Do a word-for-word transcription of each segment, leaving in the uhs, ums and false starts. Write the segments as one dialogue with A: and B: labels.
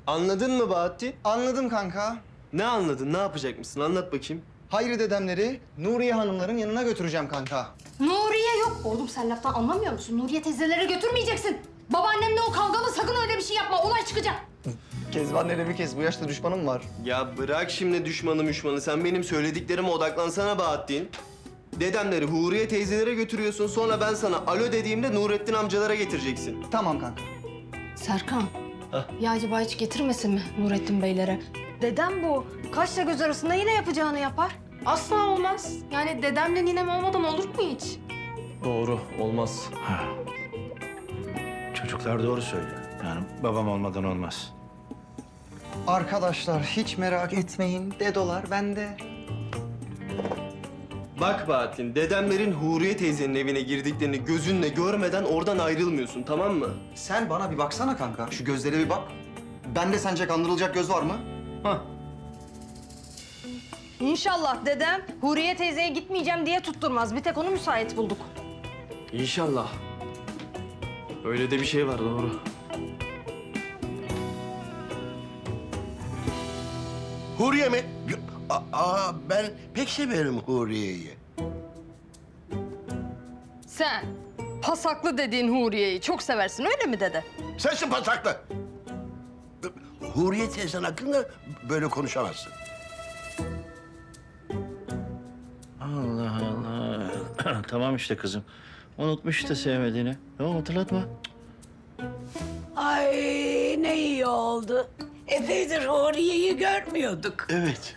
A: Anladın mı Bahattin?
B: Anladım kanka.
A: Ne anladın? Ne yapacakmışsın? Anlat bakayım.
B: Hayri dedemleri Nuriye hanımların yanına götüreceğim kanka.
C: Nuriye yok. Oğlum sen laftan anlamıyor musun? Nuriye teyzelere götürmeyeceksin. Babaannemle o kavgalı, sakın öyle bir şey yapma. Olay çıkacak.
B: Kezban nereye bir kez bu yaşta düşmanım var.
A: Ya bırak şimdi düşmanı müşmanı. Sen benim söylediklerime odaklansana Bahattin. Dedemleri Huriye teyzelere götürüyorsun. Sonra ben sana alo dediğimde Nurettin amcalara getireceksin.
B: Tamam kanka.
C: Serkan.
A: Hah.
C: Ya acaba hiç getirmesin mi Nurettin Beylere? Dedem bu. Kaşla göz arasında yine yapacağını yapar. Asla olmaz. Yani dedemle ninem olmadan olur mu hiç?
A: Doğru. Olmaz.
D: Ha. Çocuklar doğru söylüyor. Yani babam olmadan olmaz.
B: Arkadaşlar hiç merak etmeyin. Dedolar bende.
A: Bak Bahattin, dedemlerin Huriye teyzenin evine girdiklerini gözünle görmeden oradan ayrılmıyorsun, tamam mı?
B: Sen bana bir baksana kanka. Şu gözlere bir bak. Bende sence kandırılacak göz var mı?
A: Hah.
C: İnşallah dedem Huriye teyzeye gitmeyeceğim diye tutturmaz. Bir tek onu müsait bulduk.
A: İnşallah. Öyle de bir şey var, doğru.
E: Huriye mi? Aa, ben pek severim Huriye'yi.
C: Sen pasaklı dediğin Huriye'yi çok seversin öyle mi dede?
E: Sensin pasaklı. Huriye teyzen hakkında böyle konuşamazsın.
D: Allah Allah. Tamam işte kızım. Unutmuş işte sevmediğini. Tamam hatırlatma.
F: Ay ne iyi oldu. Epeydir Huriye'yi görmüyorduk.
E: Evet.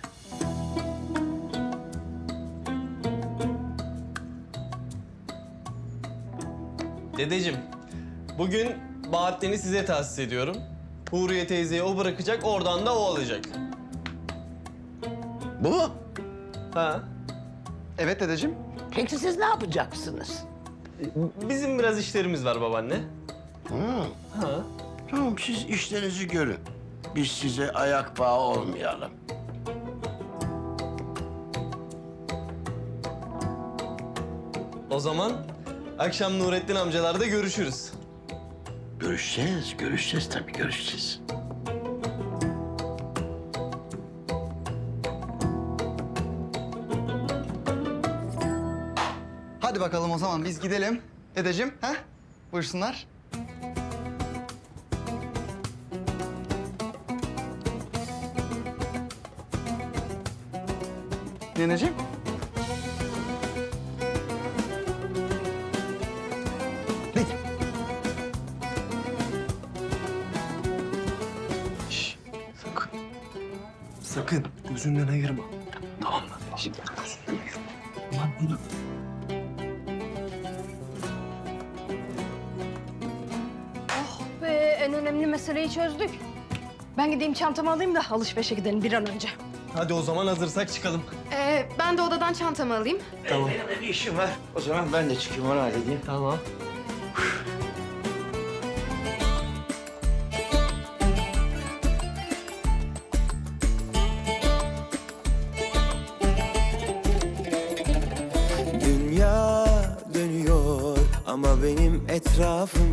A: Dedeciğim, bugün Bahattin'i size tahsis ediyorum. Huriye teyzeyi o bırakacak, oradan da o alacak.
E: Bu mu?
A: Ha?
B: Evet dedeciğim.
F: Peki siz ne yapacaksınız?
A: Bizim biraz işlerimiz var babaanne.
E: Hı.
A: Ha?
E: Tamam, siz işlerinizi görün. Biz size ayak bağı olmayalım.
A: O zaman akşam Nurettin amcalarda görüşürüz.
E: Görüşeceğiz, görüşeceğiz tabii, görüşeceğiz.
B: Hadi bakalım o zaman biz gidelim. Dedeciğim, ha? Buyursunlar. Neneciğim.
A: Şş, sakın. Sakın gözünden ayırma. Tamam mı? Şimdi gözünden ayırma. Ulan bunu.
C: Oh be en önemli meseleyi çözdük. Ben gideyim çantamı alayım da alışverişe gidelim bir an önce.
A: Hadi o zaman hazırsak çıkalım.
C: Ee, ben de odadan çantamı alayım.
A: Tamam.
D: Benim de bir işim var. O zaman ben de çıkayım onu halledeyim.
A: Tamam.
G: Dünya dönüyor ama benim etrafım